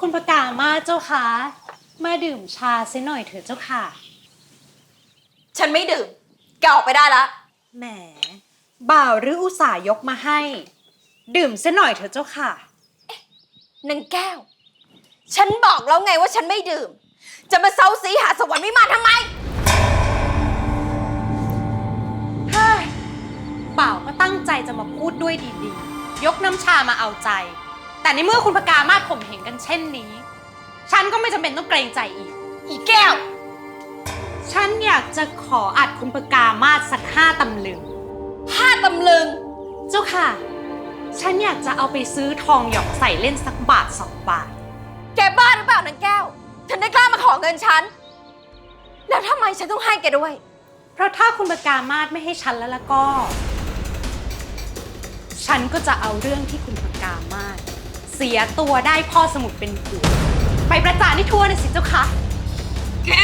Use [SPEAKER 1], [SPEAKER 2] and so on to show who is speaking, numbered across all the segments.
[SPEAKER 1] คุณประกามาเจ้าค่ะมาดื่มชาเสียหน่อยเถอะเจ้าค่ะ
[SPEAKER 2] ฉันไม่ดื่มแกออกไปได้ละ
[SPEAKER 1] แหมบ่าวหรืออุตส่าห์ยกมาให้ ดื่มเสียหน่อยเถอะเจ้าค่ะ
[SPEAKER 2] นางแก้วฉันบอกแล้วไงว่าฉันไม่ดื่มจะมาเซาซีหาสวรรค์วิมานทำไม
[SPEAKER 1] เฮ้ยบ่าวก็ตั้งใจจะมาพูดด้วยดีๆยกน้ำชามาเอาใจแต่ในเมื่อคุณประกามาข่มเหงกันเช่นนี้ฉันก็ไม่จำเป็นต้องเกรงใจอีกแก้วฉันอยากจะขออัดคุณประกามาสัก5 ตำลึง
[SPEAKER 2] 5 ตำลึง
[SPEAKER 1] เจ้าค่ะฉันอยากจะเอาไปซื้อทองหยอกใส่เล่นสักบาท2 บาท
[SPEAKER 2] แกบ้าหรือเปล่านางแก้วฉันได้กล้ามาขอเงินฉันแล้วทำไมฉันต้องให้แกด้วย
[SPEAKER 1] เพราะถ้าคุณประกามาศไม่ให้ฉันแล้วก็ฉันก็จะเอาเรื่องที่คุณประกามาศเสียตัวได้พ่อสมุทรเป็นผัวไปประจานให้ทั่วเลยสิเจ้าค่ะ
[SPEAKER 2] แก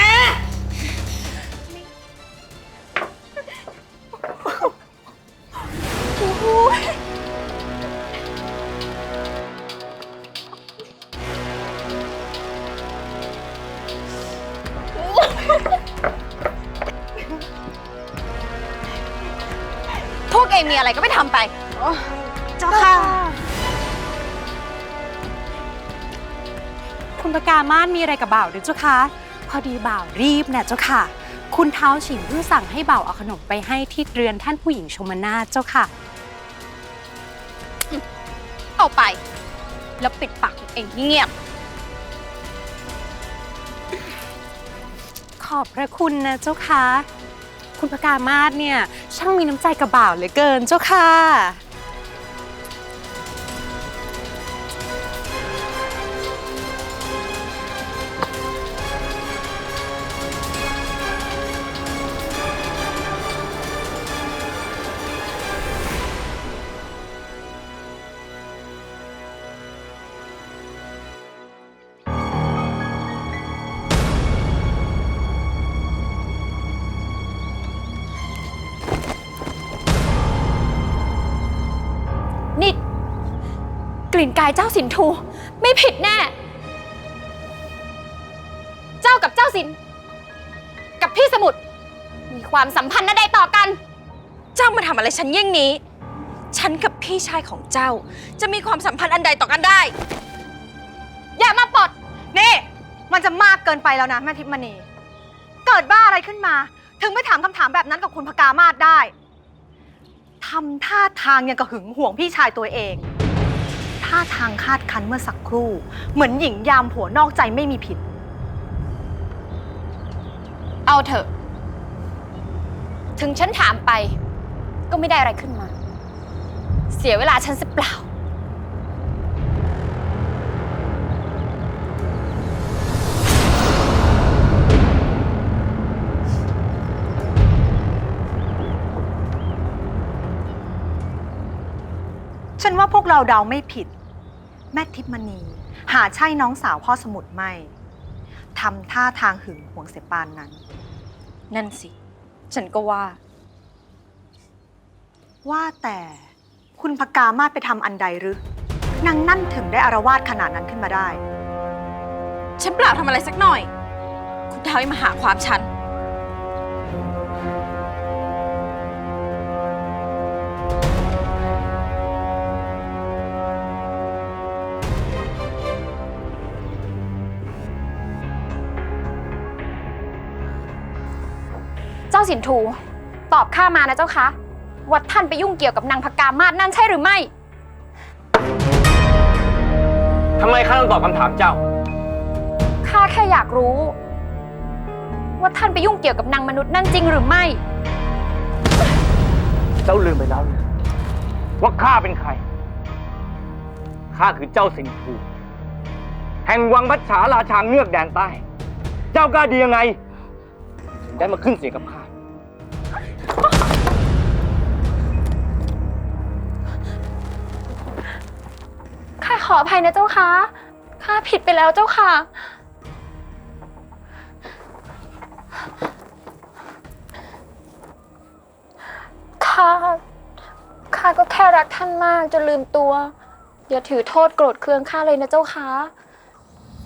[SPEAKER 2] พวกเองมีอะไรก็ไม่ทำไป
[SPEAKER 1] เจ้าค่ะคุณประกามาศมีอะไรกับบ่าวหรือเจ้าคะพอดีบ่าวรีบเนี่ยเจ้าค่ะคุณเท้าฉินเพิ่งสั่งให้บ่าวเอาขนมไปให้ที่เรือนท่านผู้หญิงชมนาถเจ้าค่ะ
[SPEAKER 2] เอาไปแล้วปิดปากตัวเองเงียบ
[SPEAKER 1] ขอบพระคุณนะเจ้าค่ะคุณประกามาศเนี่ยช่างมีน้ำใจกับบ่าวเหลือเกินเจ้าค่ะ
[SPEAKER 2] นี่กลิ่นกายเจ้าสินทูไม่ผิดแน่เจ้ากับเจ้าสินกับพี่สมุทรมีความสัมพันธ์ใดต่อกันเจ้ามาทำอะไรฉันเยี่ยงนี้ฉันกับพี่ชายของเจ้าจะมีความสัมพันธ์อันใดต่อกันได้อย่ามาปลด
[SPEAKER 3] นี่มันจะมากเกินไปแล้วนะแม่ทิพย์มณีเกิดบ้าอะไรขึ้นมาถึงไม่ถามคำถามแบบนั้นกับคุณพกามาศได้ทำท่าทางยังกระหึงห่วงพี่ชายตัวเองท่าทางคาดคั้นเมื่อสักครู่เหมือนหญิงยามผัวนอกใจไม่มีผิด
[SPEAKER 2] เอาเถอะถึงฉันถามไปก็ไม่ได้อะไรขึ้นมาเสียเวลาฉันเสียเปล่า
[SPEAKER 3] ฉันว่าพวกเราเดาไม่ผิดแม่ทิพย์มณีหาใช่น้องสาวพ่อสมุทรไม่ทำท่าทางหึงหวงเสียปานนั้น
[SPEAKER 2] นั่นสิฉันก็
[SPEAKER 3] ว่าแต่คุณพกามาศไปทำอันใดหรือนางนั่นถึงได้อาละวาดขนาดนั้นขึ้นมาได้
[SPEAKER 2] ฉันเปล่าทำอะไรสักหน่อยคุณท้าวมาหาความฉันเจ้าสินทูตอบข้ามานะเจ้าคะว่าท่านไปยุ่งเกี่ยวกับนางพกามาศนั่นใช่หรือไม่
[SPEAKER 4] ทำไมข้าต้องตอบคำถามเจ้า
[SPEAKER 2] ข้าแค่อยากรู้ว่าท่านไปยุ่งเกี่ยวกับนางมนุษย์นั่นจริงหรือไม่
[SPEAKER 4] เจ้าลืมไปแล้วว่าข้าเป็นใครข้าคือเจ้าสิงห์แห่งวังพัชฉาราชาเงือกแดนใต้เจ้ากล้าดียังไงถึงได้มาขึ้นเสียงกับข้า
[SPEAKER 2] ข้าขออภัยนะเจ้าค่ะข้าผิดไปแล้วเจ้าค่ะข้าก็แค่รักท่านมากจนลืมตัวอย่าถือโทษโกรธเคืองข้าเลยนะเจ้าค่ะ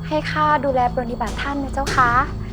[SPEAKER 2] ให้ข้าดูแลปรนนิบัติท่านนะเจ้าคะ